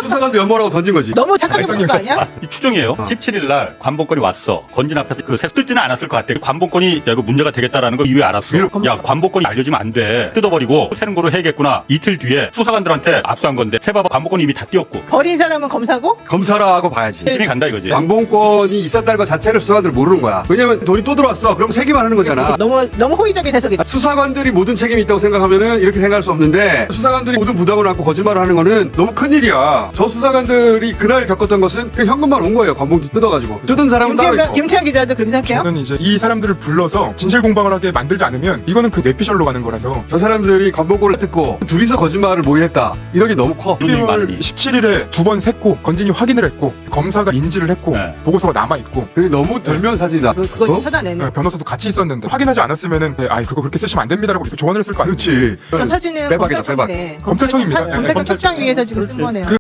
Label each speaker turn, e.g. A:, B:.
A: 수사관도 연모라고 던진 거지.
B: 너무 착하게 보는 거 아니야?
C: 이 추정이에요. 17일 날 관본권이 왔어. 건진 앞에서 그 뜯지는 않았을 것 같아. 관본권이 야, 이거 문제가 되겠다라는 걸 이후에 알았어. 야, 관본권이 알려지면 안 돼. 뜯어버리고 새는 거로 해야겠구나. 이틀 뒤에 수사관들한테 압수한 건데 세봐봐 관본권이 이미 다 띄었고.
B: 버린 사람은 검사고?
A: 검사라고 봐야지.
C: 힘이 간다 이거지.
A: 관본권이 있었다는 것 자체를 수사관들 모르는 거야. 왜냐면 돈이 또 들어왔어. 그럼 세기만 하는 거잖아.
B: 너무 호의적인 해석이다.
A: 수사관들이 모든 책임이 있다고 생각하면은 이렇게 생각할 수 없는데 수사관들이 모든 부담을 안고 거짓말을 하는 거는 너무 큰일이야. 저 수사관들이 그날 겪었던 것은 그 현금만 온 거예요. 관봉지 뜯어가지고. 뜯은 사람은 따로 있고.
B: 김태현 기자도 그렇게 생각해요?
D: 저는 이제 이 사람들을 불러서 진실 공방을 하게 만들지 않으면 이거는 그 뇌피셜로 가는 거라서.
A: 저 사람들이 관봉권을 뜯고 둘이서 거짓말을 모의했다. 이런 게 너무 커.
D: 12월 17일에 2번 샜고 건진이 확인을 했고 검사가 인지를 했고
C: 네.
D: 보고서가 남아있고
A: 그게 너무 절묘한 사진이다.
B: 그거 좀 찾아내는.
D: 변호사도 같이 있었는데 확인하지 않았으면은 그거 그렇게 쓰시면 안 됩니다라고 이렇게 조언을 했을 거 아니에요.
A: 그렇지.
B: 저 사진은
A: 빼박이다,
B: 검찰청이네.
D: 검찰청입니다.
B: 검찰청
D: 검찰청.
B: 책상 위에서 지금 쓴 거네요.